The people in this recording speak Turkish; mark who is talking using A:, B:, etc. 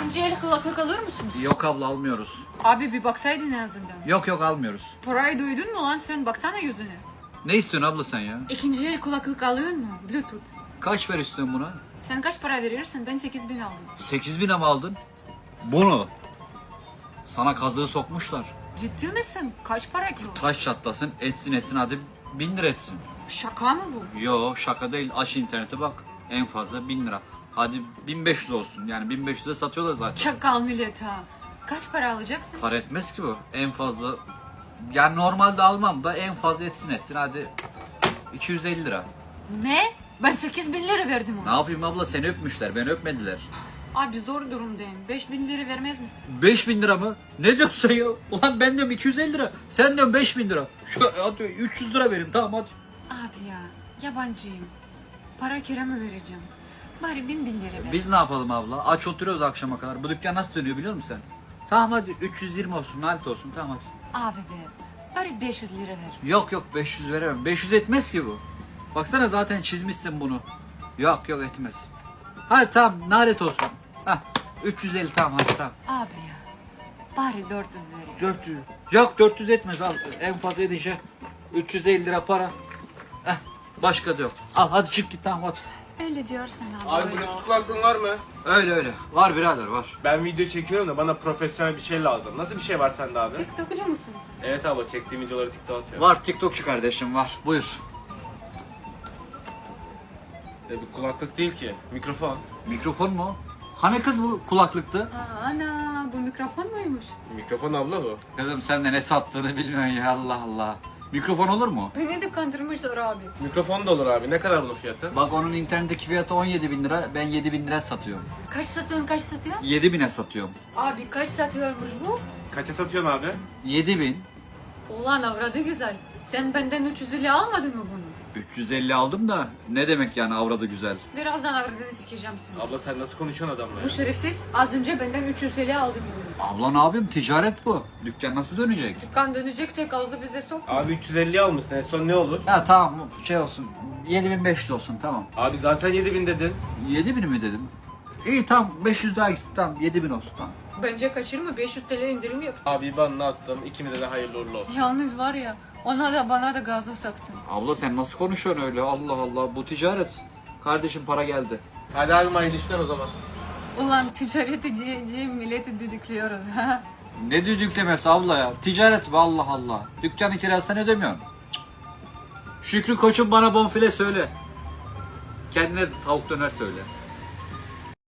A: İkinci el kulaklık alır mısınız?
B: Yok abla almıyoruz.
A: Abi bir baksaydın en azından.
B: Yok almıyoruz.
A: Parayı duydun mu lan sen? Baksana yüzüne.
B: Ne istiyorsun abla sen ya?
A: İkinci el kulaklık alıyor mu? Bluetooth.
B: Kaç ver istiyorsun buna?
A: Sen kaç para verirsin? Ben 8.000 aldım.
B: 8.000'e mi aldın? Bunu. Sana kazığı sokmuşlar.
A: Ciddi misin? Kaç para ki o?
B: Taş çatlasın etsin hadi 1000 lira etsin.
A: Şaka mı bu?
B: Yo şaka değil, aç internete bak. En fazla 1000 lira. Hadi 1500 olsun, yani 1500'e satıyorlar zaten.
A: Çakal millet ha. Kaç para alacaksın?
B: Para etmez ki bu. En fazla, yani normalde almam da en fazla etsin hadi 250 lira.
A: Ne? Ben 8.000 lira verdim
B: Ne
A: ona.
B: yapayım abla, seni öpmüşler, beni öpmediler.
A: Abi zor durumdayım. 5.000 lira vermez misin?
B: 5000 lira mı? Ne diyorsun ya? Ulan ben diyorum 250 lira. Sen diyorsun 5000 lira. Şu hadi 300 lira vereyim, tamam hadi.
A: Abi ya yabancıyım. Para kiramı vereceğim. Bari 1.000 lira ver.
B: Biz ne yapalım abla? Aç oturuyoruz akşama kadar. Bu dükkan nasıl dönüyor biliyor musun sen? Tamam hadi 320 olsun, nalet olsun, tamam hadi.
A: Abi be. Bari 500 lira ver.
B: Yok 500 veremem. 500 etmez ki bu. Baksana zaten çizmişsin bunu. Yok etmez. Hadi tamam, nalet olsun. Hah 350 tamam hadi tamam.
A: Abi ya. Bari 400 ver ya.
B: 400. Yok 400 etmez, al. En fazla edince 350 lira para. Heh, başka da yok. Al hadi çık git, tamam hadi.
A: Öyle diyorsun abi.
C: Abi
A: öyle
C: Bluetooth
A: olsun.
C: kulaklığın var mı?
B: Öyle. Var birader var.
C: Ben video çekiyorum da bana profesyonel bir şey lazım. Nasıl bir şey var sende abi?
A: TikTok'cu musun sen?
C: Evet abla, çektiğim videoları TikTok'a atıyorum.
B: Var, TikTokçu kardeşim var. Buyur.
C: Bir kulaklık değil ki, mikrofon.
B: Mikrofon mu? Hani kız bu kulaklıktı?
A: Aa, ana bu mikrofon muymuş?
C: Mikrofon abla bu.
B: Kızım sen de ne sattığını bilmiyorsun ya, Allah Allah. Mikrofon olur mu?
A: Beni de kandırmışlar abi.
C: Mikrofon da olur abi. Ne kadar bunun fiyatı?
B: Bak onun internetteki fiyatı 17.000 lira. Ben 7.000 lira satıyorum.
A: Kaç satıyorsun kaç satıyorsun?
B: 7.000'e satıyorum.
A: Abi kaç satıyormuş bu?
C: Kaça satıyorsun abi?
B: 7.000.
A: Ulan avradı güzel. Sen benden 350 almadın mı bunu?
B: 350 aldım da ne demek yani avradı güzel.
A: Birazdan avradını sikeceğim seni.
C: Abla sen nasıl konuşuyorsun adamla ya?
A: Bu şerefsiz az önce benden 350 aldı bunu.
B: Abla ne yapayım, ticaret bu. Dükkan nasıl dönecek?
A: Dükkan dönecek tek ağzı bize sokma.
C: Abi 350 almışsın, en son ne olur?
B: Ya tamam şey olsun, 7.500 olsun tamam.
C: Abi zaten 7000 dedin.
B: 7.000 mi dedim? İyi tamam, 500 daha gitsin, tamam 7.000 olsun tamam.
A: Bence kaçırma 500 TL indirim yap.
C: Abi IBAN'ını attım, ikimize de hayırlı uğurlu olsun.
A: Yalnız var ya ona da bana da gazoz saktın.
B: Abla sen nasıl konuşuyorsun öyle, Allah Allah, bu ticaret. Kardeşim para geldi.
C: Hadi abi hayırlı işler o zaman.
A: Ulan ticareti diye milleti düdüklüyoruz ha.
B: Ne düdüklemesi abla ya, ticaret bu, Allah Allah. Dükkanın kirasını ödemiyorsun. Cık. Şükrü koçum bana bonfile söyle. Kendine tavuk döner söyle.